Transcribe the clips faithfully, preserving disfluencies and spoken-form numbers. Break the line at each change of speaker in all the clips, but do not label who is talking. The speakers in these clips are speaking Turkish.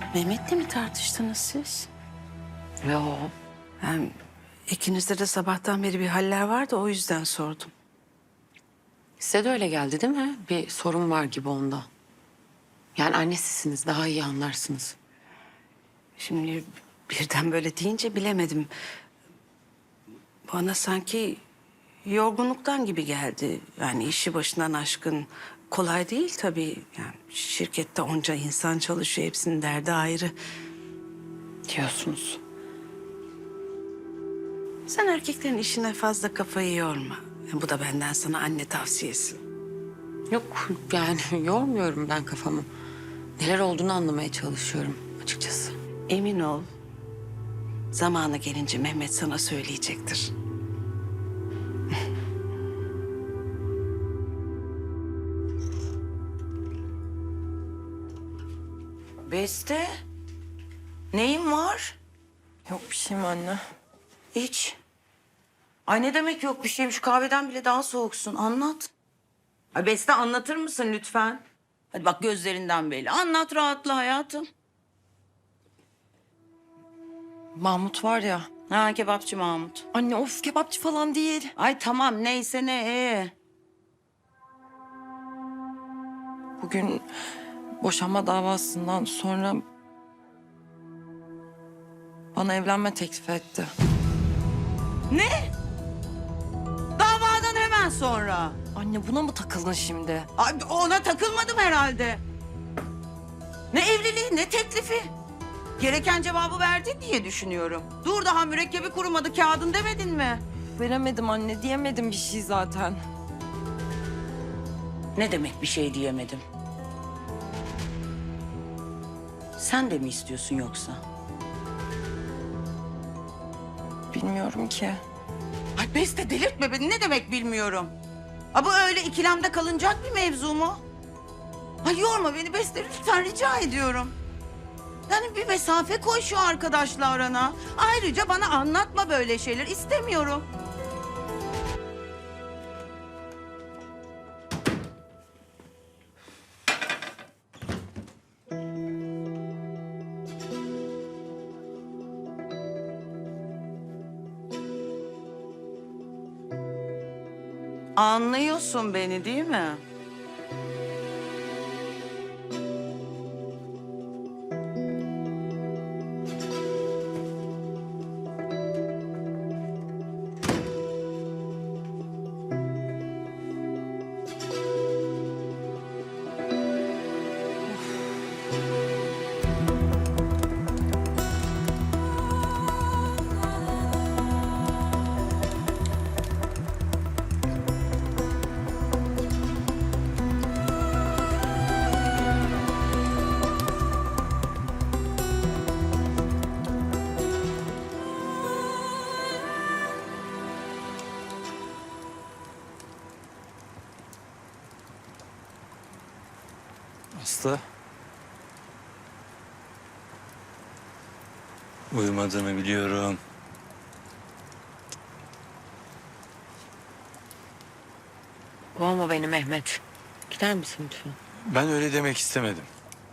Mehmet'le mi tartıştınız siz?
Yo.
Yani ikinizde de sabahtan beri bir haller vardı, o yüzden sordum.
Size de öyle geldi değil mi? Bir sorun var gibi onda. Yani annesisiniz, daha iyi anlarsınız.
Şimdi birden böyle deyince bilemedim. Bana sanki yorgunluktan gibi geldi. Yani işi başından aşkın. Kolay değil tabii. Yani şirkette onca insan çalışıyor, hepsinin derdi ayrı.
Diyorsunuz.
Sen erkeklerin işine fazla kafayı yorma. Bu da benden sana anne tavsiyesi.
Yok yani yormuyorum ben kafamı. Neler olduğunu anlamaya çalışıyorum açıkçası.
Emin ol, zamanı gelince Mehmet sana söyleyecektir.
Beste, neyin var?
Yok bir şeyim anne.
İç. Ay ne demek yok bir şeyim? Şu kahveden bile daha soğuksun. Anlat. Ay Beste anlatır mısın lütfen? Hadi bak gözlerinden belli. Anlat rahatla hayatım.
Mahmut var ya.
Ha kebapçı Mahmut.
Anne of kebapçı falan değil.
Ay tamam neyse ne ee.
Bugün boşanma davasından sonra bana evlenme teklif etti.
Ne? Davadan hemen sonra.
Anne buna mı takıldın şimdi?
Ay ona takılmadım herhalde. Ne evliliği ne teklifi. Gereken cevabı verdin diye düşünüyorum. Dur daha mürekkebi kurumadı kağıdın demedin mi?
Veremedim anne diyemedim bir şey zaten.
Ne demek bir şey diyemedim? Sen de mi istiyorsun yoksa?
Bilmiyorum ki.
Ay Beste delirtme beni. Ne demek bilmiyorum. Ha bu öyle ikilemde kalınacak bir mevzu mu? Ay yorma beni Beste lütfen rica ediyorum. Yani bir mesafe koy şu arkadaşla arana. Ayrıca bana anlatma böyle şeyler istemiyorum. Anlıyorsun beni değil mi?
Aslı. Uyumadığını biliyorum.
Kovma beni Mehmet. Gider misin lütfen?
Ben öyle demek istemedim.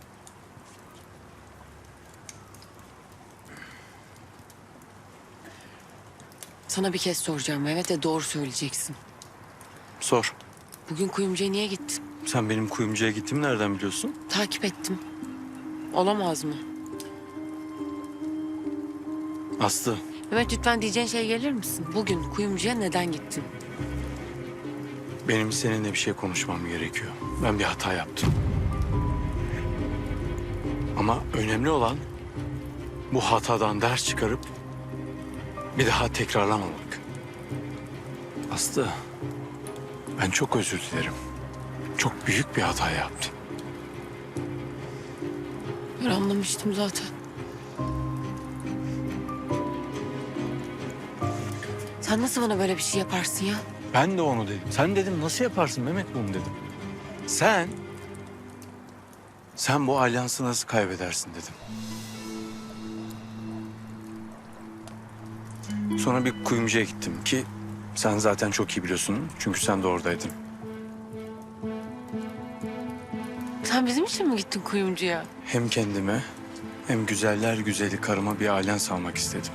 Sana bir kez soracağım Mehmet ve doğru söyleyeceksin.
Sor.
Bugün kuyumcuya niye gittin?
Sen benim kuyumcuya gittiğimi nereden biliyorsun?
Takip ettim. Olamaz mı?
Aslı.
Mehmet lütfen diyeceğin şey gelir misin? Bugün kuyumcuya neden gittin?
Benim seninle bir şey konuşmam gerekiyor. Ben bir hata yaptım. Ama önemli olan bu hatadan ders çıkarıp bir daha tekrarlamamak. Aslı, ben çok özür dilerim. Çok büyük bir hata yaptım.
Ben anlamıştım zaten. Sen nasıl bana böyle bir şey yaparsın ya?
Ben de onu dedim. Sen dedim nasıl yaparsın Mehmet bunu dedim. Sen, sen bu alyansı nasıl kaybedersin dedim. Sonra bir kuyumcuya gittim ki sen zaten çok iyi biliyorsun. Çünkü sen de oradaydın.
Sen bizim için mi gittin kuyumcuya?
Hem kendime Hem güzeller güzeli karıma bir alens almak istedim.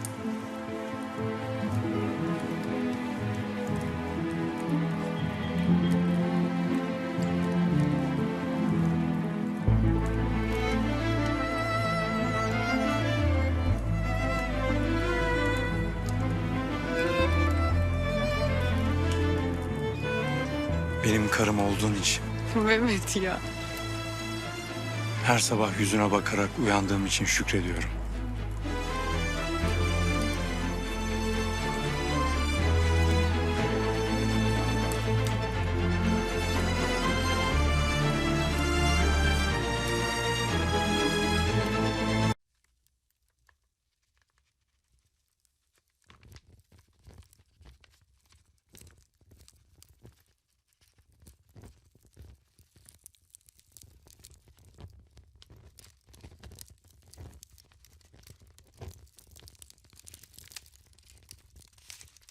Benim karım olduğun için,
Mehmet ya.
her sabah yüzüne bakarak uyandığım için şükrediyorum.